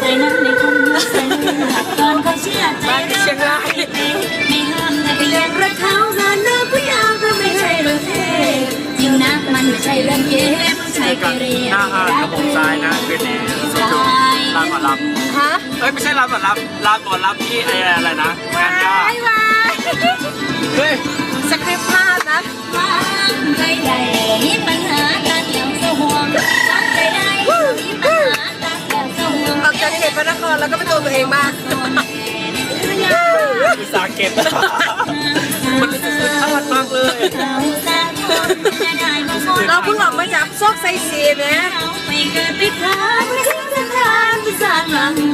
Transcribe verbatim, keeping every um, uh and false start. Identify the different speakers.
Speaker 1: ใจนั้นในคงเมื่อเส้นก่อนเขาเชื่อใจเราไม่ห้ามแต่ก็ยังรักเขางานเลิกผู้ยาวก็ไม่ใช่เรื่องเทจริงนะมันไม่ใช่เรื่องเกมผู้ชายเกเร
Speaker 2: หน้าห้างกระบอกทรายนะคืนนี้สุดจุลานหมอลำ
Speaker 3: ฮะ
Speaker 2: เอ้ยไม่ใช่ลานหมอลำลานหมอลำที่ไอ้อะไรนะงานย่า
Speaker 3: ไอ้วาย
Speaker 2: เฮ้ย
Speaker 3: สคริปต์ภาพนะ
Speaker 1: วางใจใหญ่มีปัญหาการเดี่ยวเสื้อห่วงวางใจได้มีปัญหาการเดี่ยวเสื้อห่วง
Speaker 3: ออกจากเขตพระนครแล้วก็เป็นตัวตัวเองมาก
Speaker 2: อุตสาหเก็บมันสุดๆทอดมากเลย
Speaker 3: เราเพิ่งออกมาจากซอกไซซีนะ
Speaker 1: ไม่เกิดไปทางไม่ทิ้งทางที่สร้างหลัง